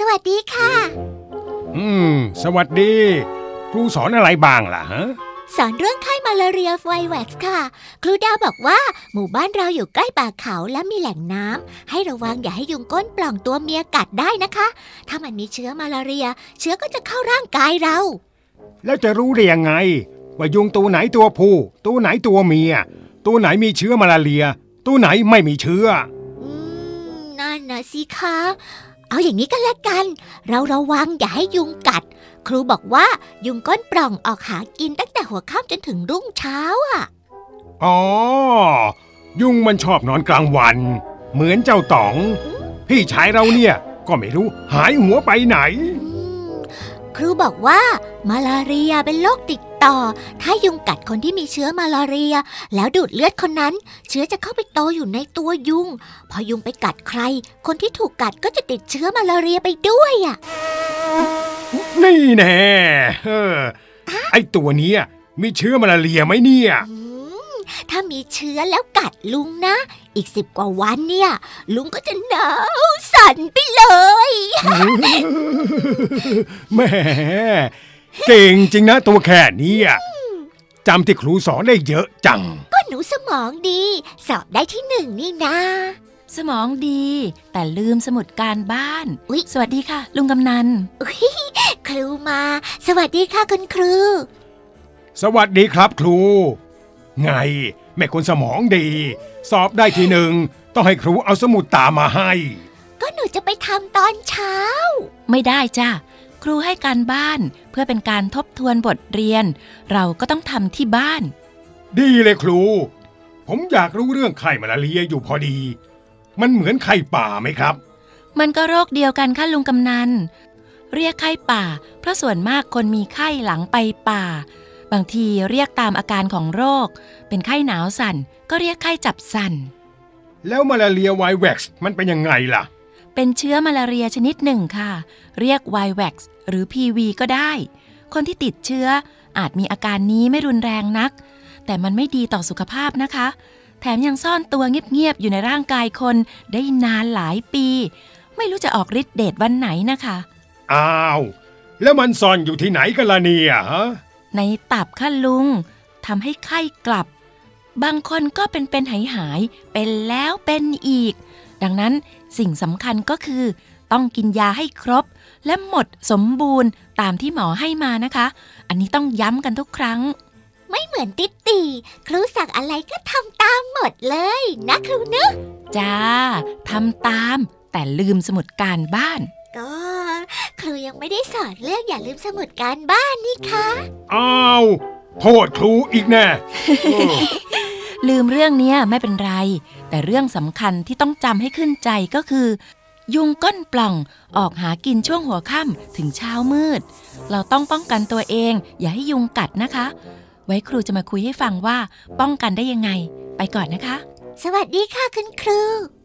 วัสดีค่ะสวัสดีครูสอนอะไรบ้างล่ะฮะสอนเรื่องไข้มาลาเรียไวแว็กซ์ค่ะครูดาวบอกว่าหมู่บ้านเราอยู่ใกล้ป่าเขาและมีแหล่งน้ำให้ระวังอย่าให้ยุงก้นปล่องตัวเมียกัดได้นะคะถ้ามันมีเชื้อมาลาเรียเชื้อก็จะเข้าร่างกายเราแล้วจะรู้ได้ยังไงว่ายุงตัวไหนตัวผู้ตัวไหนตัวเมียตัวไหนมีเชื้อมาลาเรียตัวไหนไม่มีเชื้อนั่นนะสิคะเอาอย่างนี้ก็แล้วกันเราระวังอย่าให้ยุงกัดครูบอกว่ายุงก้นปล่องออกหากินตั้งแต่หัวค่ำจนถึงรุ่งเช้าอ๋อยุงมันชอบนอนกลางวันเหมือนเจ้าต๋องพี่ชายเราเนี่ยก็ไม่รู้หายหัวไปไหนครูบอกว่ามาลาเรียเป็นโรคติดต่อถ้ายุงกัดคนที่มีเชื้อมาลาเรียแล้วดูดเลือดคนนั้นเชื้อจะเข้าไปโตอยู่ในตัวยุงพอยุงไปกัดใครคนที่ถูกกัดก็จะติดเชื้อมาลาเรียไปด้วยนี่แน่ไอตัวเนี้ยมีเชื้อมาลาเรียไหมเนี่ยถ้ามีเชื้อแล้วกัดลุงนะอีก10 กว่าวันเนี่ยลุงก็จะหนาวสั่นไปเลยแหมเก่งจริงนะตัวแค่นี้จำที่ครูสอนได้เยอะจังก็หนูสมองดีสอบได้ที่1นี่นะสมองดีแต่ลืมสมุดการบ้านสวัสดีค่ะลุงกำนันครูมาสวัสดีค่ะคุณครูสวัสดีครับครูไงแม่คนสมองดีสอบได้ที่1ต้องให้ครูเอาสมุดตามมาให้ก็หนูจะไปทำตอนเช้าไม่ได้จ้ะครูให้การบ้านเพื่อเป็นการทบทวนบทเรียนเราก็ต้องทำที่บ้านดีเลยครูผมอยากรู้เรื่องไข้มาลาเรียอยู่พอดีมันเหมือนไข้ป่าไหมครับมันก็โรคเดียวกันค่ะลุงกำนันเรียกไข้ป่าเพราะส่วนมากคนมีไข้หลังไปป่าบางทีเรียกตามอาการของโรคเป็นไข้หนาวสั่นก็เรียกไข้จับสั่นแล้วมาลาเรียไวแว็กซ์มันเป็นยังไงล่ะเป็นเชื้อมาลาเรียชนิดหนึ่งค่ะเรียกไวแว็กซ์หรือ PV ก็ได้คนที่ติดเชื้ออาจมีอาการนี้ไม่รุนแรงนักแต่มันไม่ดีต่อสุขภาพนะคะแถมยังซ่อนตัวเงียบๆอยู่ในร่างกายคนได้นานหลายปีไม่รู้จะออกฤทธิ์เดชวันไหนนะคะอ้าวแล้วมันซ่อนอยู่ที่ไหนกันล่ะเนี่ยฮะในตับค่ะลุงทำให้ไข้กลับบางคนก็เป็นหายเป็นแล้วเป็นอีกดังนั้นสิ่งสำคัญก็คือต้องกินยาให้ครบและหมดสมบูรณ์ตามที่หมอให้มานะคะอันนี้ต้องย้ำกันทุกครั้งไม่เหมือนติ๊ดตีครูสั่งอะไรก็ทำตามหมดเลยนะครูเนอะจ้าทำตามแต่ลืมสมุดการบ้านก็ครูยังไม่ได้สอนเรื่องอย่าลืมสมุดการบ้านนี่คะอ้าวโทษครูอีกแน่ลืมเรื่องนี้ไม่เป็นไรแต่เรื่องสำคัญที่ต้องจำให้ขึ้นใจก็คือยุงก้นปล่องออกหากินช่วงหัวค่ำถึงเช้ามืดเราต้องป้องกันตัวเองอย่าให้ยุงกัดนะคะไว้ครูจะมาคุยให้ฟังว่าป้องกันได้ยังไงไปก่อนนะคะสวัสดีค่ะคุณครู